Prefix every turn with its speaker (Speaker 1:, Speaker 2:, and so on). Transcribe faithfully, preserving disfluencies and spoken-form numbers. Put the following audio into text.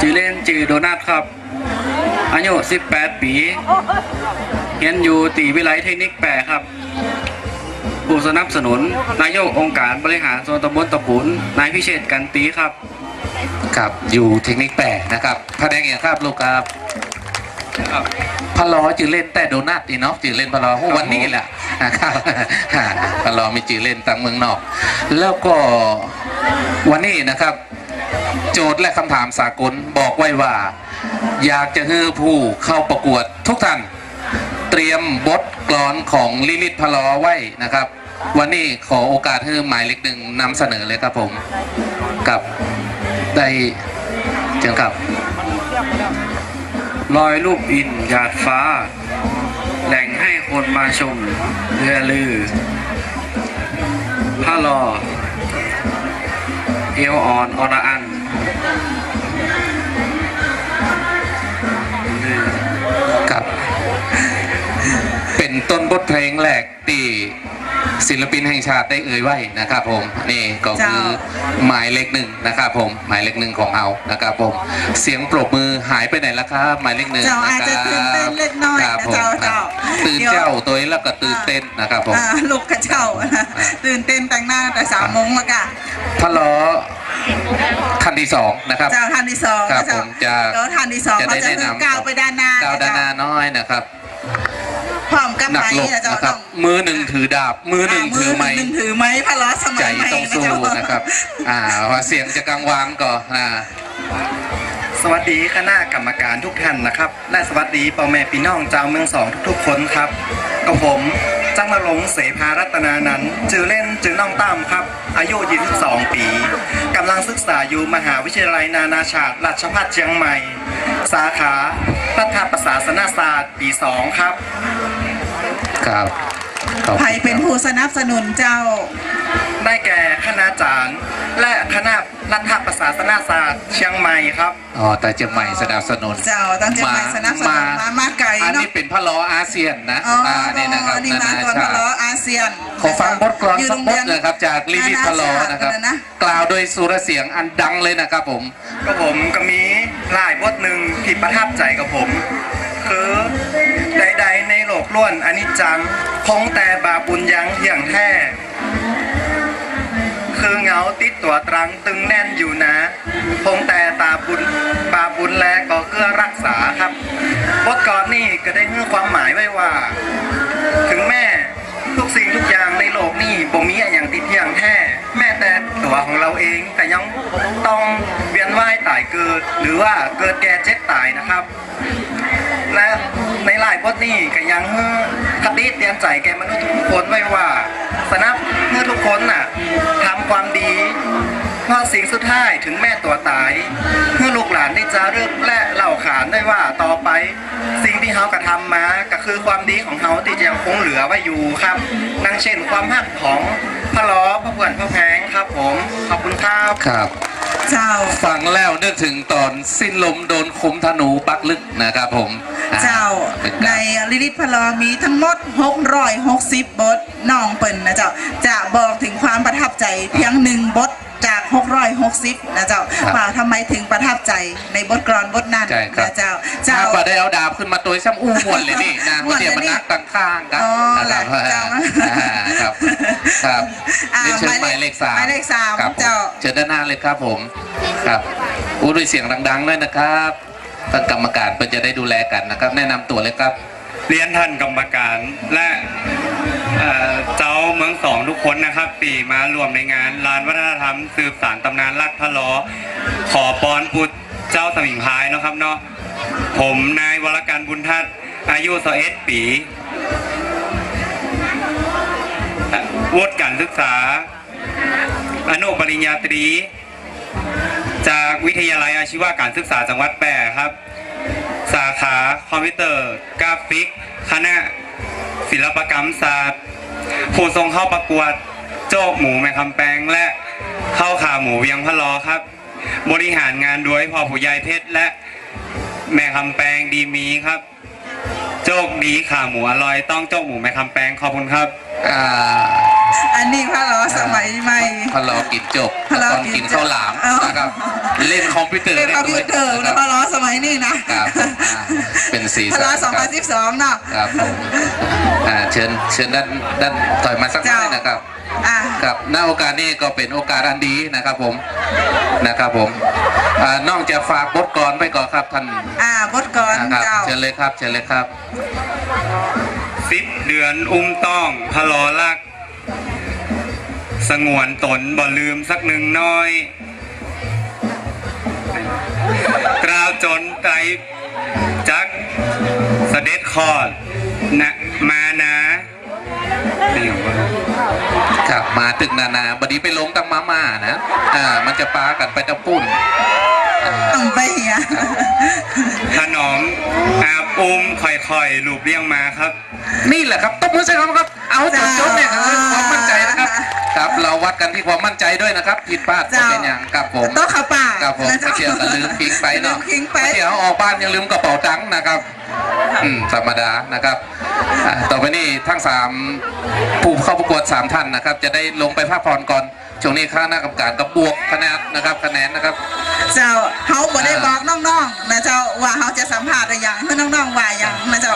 Speaker 1: ชื่อเล่นชื่อโดนัทครับอายุสิบแปดปีเรียนอยู่ตีวิไลเทคนิคแปดครับผู้สนับสนุนนายกองค์การบริหารส่วนตำบลตะปุนนายพิเชษฐ์กันตีครับ
Speaker 2: ครับอยู่เทคนิคแปดนะครับพระแดงอย่างครับลูกครับพะล้อจือเล่นแต่โดนัทดีเนาะจือเล่นพะล้อวันนี้แหละนะครับพะล้อมีจือเล่นต่างเมืองนอกแล้วก็วันนี้นะครับโจทย์และคำถามสากลบอกไว้ว่าอยากจะให้ผู้เข้าประกวดทุกท่านเตรียมบทกลอนของลิลิตพะล้อไว้นะครับวันนี้ขอโอกาสให้หมายเลขหนึ่งนำเสนอเลยครับผมกับได้เชิญครับ
Speaker 1: ลอยรูปอินหยาดฟ้าแหล่งให้คนมาชมเรือลือผ้ารอเอวอ่อนอรอัน
Speaker 2: ครับเป็นต้นบทเพลงแรกที่ศิลปินแห่งชาติได้เอ่ยไว้นะครับผมนี่ก็คือหมายเลขหนึ่งนะครับผมหมายเลขหนึ่งของเรานะครับผมเสียงปรบมือหายไปไหนแล้วครับหมายเลขหนึ่งนะครับครับผมตื่นเจ้าตัวนี้แล้วก็ตื่นเต้นนะครับผม
Speaker 3: ลูกกระเจ้าตื่นเต้นแต่งหน้าแต่สามโมงแล้วกัน
Speaker 2: พะล้อท่านที่สองนะครับ
Speaker 3: เจ้าท่านที่สอง
Speaker 2: ครับผมจะ
Speaker 3: ท่านที่สองเขาจะคือก้าวไปด้านหน้า
Speaker 2: ก้าวด้านหน้าน้อยนะครับ
Speaker 3: พร้อมกับไม้
Speaker 2: นะครับมือหนึ่งถือดาบมือหนึ่งถือไม้
Speaker 3: หนึ่งถือไม้พะล้อสมัย
Speaker 2: ใจต้องสู้นะครับอ่าว่าเสียงจะกังวานก่อนนะ
Speaker 1: สวัสดีคณะกรรมการทุกท่านนะครับและสวัสดีพ่อแม่พี่น้องชาวเมืองสองทุกๆคนครับกับผมจังนรงค์เสภารัตนานันท์ชื่อเล่นชื่อน้องตั้มครับอายุยี่สิบสองปีกำลังศึกษาอยู่มหาวิทยาลัยนานาชาติราชภัฏเชียงใหม่สาขารัฐประศาสนศาสตร์ปีสองครับ
Speaker 2: ครับ
Speaker 3: ใครเป็นผู้สนับสนุนเจ้า
Speaker 1: ได้แก่คณาจารย์และคณะรัฐประศาสนศาสตร์เชียงใหม่ครับ
Speaker 2: อ๋อแต่เชียงใหม่สนับสนุน
Speaker 3: เจ้าตั้งเชียงใหม่สนับสนุนมามาไกลเนาะอัน
Speaker 2: นี้เป็นพะล้ออาเซียนนะ
Speaker 3: อ๋อนี่นะครับนานาชาติพะล้ออาเซียน
Speaker 2: ขอฟังบทกลอนสักบทเลยครับจากลิลิตพะล้อนะครับกล่าวโดยสุรเสียงอันดังเลยนะครับผม
Speaker 1: ก็ผมก็มีหลายบทหนึ่งที่ประทับใจกับผมคือใดๆในโลกล้วนอนิจจังคงแต่บาปุญญังเที่ยงแท้คือเงาติดตัวตรังตึงแน่นอยู่นะคงแต่ตาบุญบาบุญแลก็เกื้อรักษาครับบทกลอนนี่ก็ได้ให้ความหมายไว้ว่าถึงแม่ทุกสิ่งทุกอย่างในโลกนี้บ่มีอย่างติดเที่ยงแท้แม้แต่ตัวของเราเองแต่ยังต้องเวียนว่ายตายเกิดหรือว่าเกิดแก่เจ็บตายนะครับและในหลายบทนี้ก็ยังคติเตือนใจแก่มนุษย์ทุกคนไว้ว่าสนับเมื่อทุกคนน่ะทำความดีเพราะสิ่งสุดท้ายถึงแม่ตัวตายเพื่อลูกหลานได้จารึกและเล่าขานได้ว่าต่อไปสิ่งที่เขากระทำมาก็คือความดีของเขาที่ยังคงเหลือไว้อยู่ครับดังเช่นความหักของพะล้อพระเพื่อนพระแพงครับผมขอบคุณครับ
Speaker 2: ครับ
Speaker 3: เจ้า
Speaker 2: ฟังแล้วนึกถึงตอนสิ้นลมโดนคมธนูปักลึกนะครับผม
Speaker 3: เจ้าในลิลิตพะล้อมีทั้งหมดหกร้อยหกสิบบทน้องเปิ่นนะเจ้าจะบอกถึงความประทับใจเพียงหนึ่งบทจากหกร้อยหกสิบนะเจ้าว่าทำไมถึงประทับใจในบทกลอนบทนั้นนะเจ้า
Speaker 2: เจ้าก็ได้เอาดาบขึ้นมาตัวซ้ำอู้มวนเลยนี่นะเดี๋ยวมันนักตั้งข้างกันนะครับครับครับนี่เชิญหมายเลขสาม
Speaker 3: หมายเลขสามเจ้า
Speaker 2: เชิญด้านหน้าเลยครับผมครับอู้ด้วยเสียงดังๆด้วยนะครับท่านกรรมการเพื่อจะได้ดูแลกันนะครับแนะนำตัวเลยครับ
Speaker 1: เรียนท่านกรรมการและเจ้าเมืองสองทุกคนนะครับปีมารวมในงานลานวัฒนธรรมสืบสานตำนานลัดพะล้อขอปอนพุทธเจ้าสมิงพายนะครับเนาะผมนายวรการบุญทัศน์อายุสิบเอ็ดปีวุฒิการศึกษาอนุปริญญาตรีจากวิทยาลัยอาชีวการศึกษาจังหวัดแพร่ครับสาขาคอมพิวเตอร์กราฟิกคณะศิลปกรรมศาสตร์ผู้ทรงเข้าประกวดโจ๊กหมูแม่คำแปงและข้าวขาหมูเวียงพะล้อครับบริหารงานโดยพ่อผู้ใหญ่เพชรและแม่คำแปงดีมีครับโจ๊กดีขาหมูอร่อยต้องโจ๊กหมูแม่คำแปงขอบคุณครับ
Speaker 2: อ่า
Speaker 3: อันนี้พระล้อสมัยใหม่
Speaker 2: พะลอกินจบ
Speaker 3: พะลอ
Speaker 2: ตอน
Speaker 3: กิ
Speaker 2: กิ
Speaker 3: น
Speaker 2: น
Speaker 3: จบ
Speaker 2: ข้าวหลาม
Speaker 3: เอ้าน
Speaker 2: นะครับเล่นคอมพิวเตอร์
Speaker 3: เป็นคอมพิวเตอร์
Speaker 2: ได้
Speaker 3: แล้
Speaker 2: ด้
Speaker 3: ว
Speaker 2: วย
Speaker 3: พระล้อสมัยนี้นะ
Speaker 2: ครับผมอ่าเป็นสี
Speaker 3: พระ
Speaker 2: สั
Speaker 3: ล้อน สอง
Speaker 2: ค
Speaker 3: พั
Speaker 2: รั
Speaker 3: น
Speaker 2: บ
Speaker 3: สิบสองเนาะ
Speaker 2: ครับผมอ่าเชิญเชิญด้านด้านถอยมาสักหน่อยนะครับ
Speaker 3: อ่ะ
Speaker 2: ครับณโอกาสนี้ก็เป็นโอกาสอันดีนะครับผมนะครับผมอ่านอกจากฝากบทกลอนไปก่อนครับท่าน
Speaker 3: อ่าบทกร
Speaker 2: นะครับ
Speaker 3: เจ้า
Speaker 2: เชิญเลยครับเชิญเลยครับ
Speaker 4: สิบเดือนอุ้มต้องพะลอลัก สงวนตนบ่ลืมสักหนึ่งน้อย กล่าวจนไตรจักเสด็จคลอดนะมานะนี่ว่า
Speaker 2: ครับมาตึกนานาบดีไปลงตังมาม่านะอ่ามันจะปากันไปตะปุ่นอ่า
Speaker 3: ต้องไปเหีย
Speaker 4: ถนอมอาบอุ้มค่อยๆลูบเลี้ยงมาครับ
Speaker 2: นี่แหละครับตบมือใส่ครับครับเอาจนจบเนี่ยคือความมั่นใจนะครับครับเราวัดกันที่ความมั่นใจด้วยนะครับผิดพลาดก็เป็นอย่างกับผม
Speaker 3: โต๊ะขาป่า
Speaker 2: ครับผม
Speaker 3: นะ
Speaker 2: ไม่เที่ยวก็ลืมทิ้งไปเนาะ
Speaker 3: ลืมทิ้งไป
Speaker 2: ไม่เที่ยวออกบ้านยังลืมกระเป๋าตังค์นะครับอืมธรรมดานะครับอ่าต่อไปนี้ทั้งสามผู้เข้าประกวดสามท่านนะครับ จะได้ลงไปพักผ่อนก่อนช่วงนี้ข้าหน้ากรรมการก็บวกคะแนนนะครับคะแนนนะครับ
Speaker 3: เจ้าเขาบ่ได้บอกน้องๆนะเจ้าว่าเขาจะสัมภาษณ์อะไรอย่างเพื่อน้องๆว่าอย่างนะเจ้า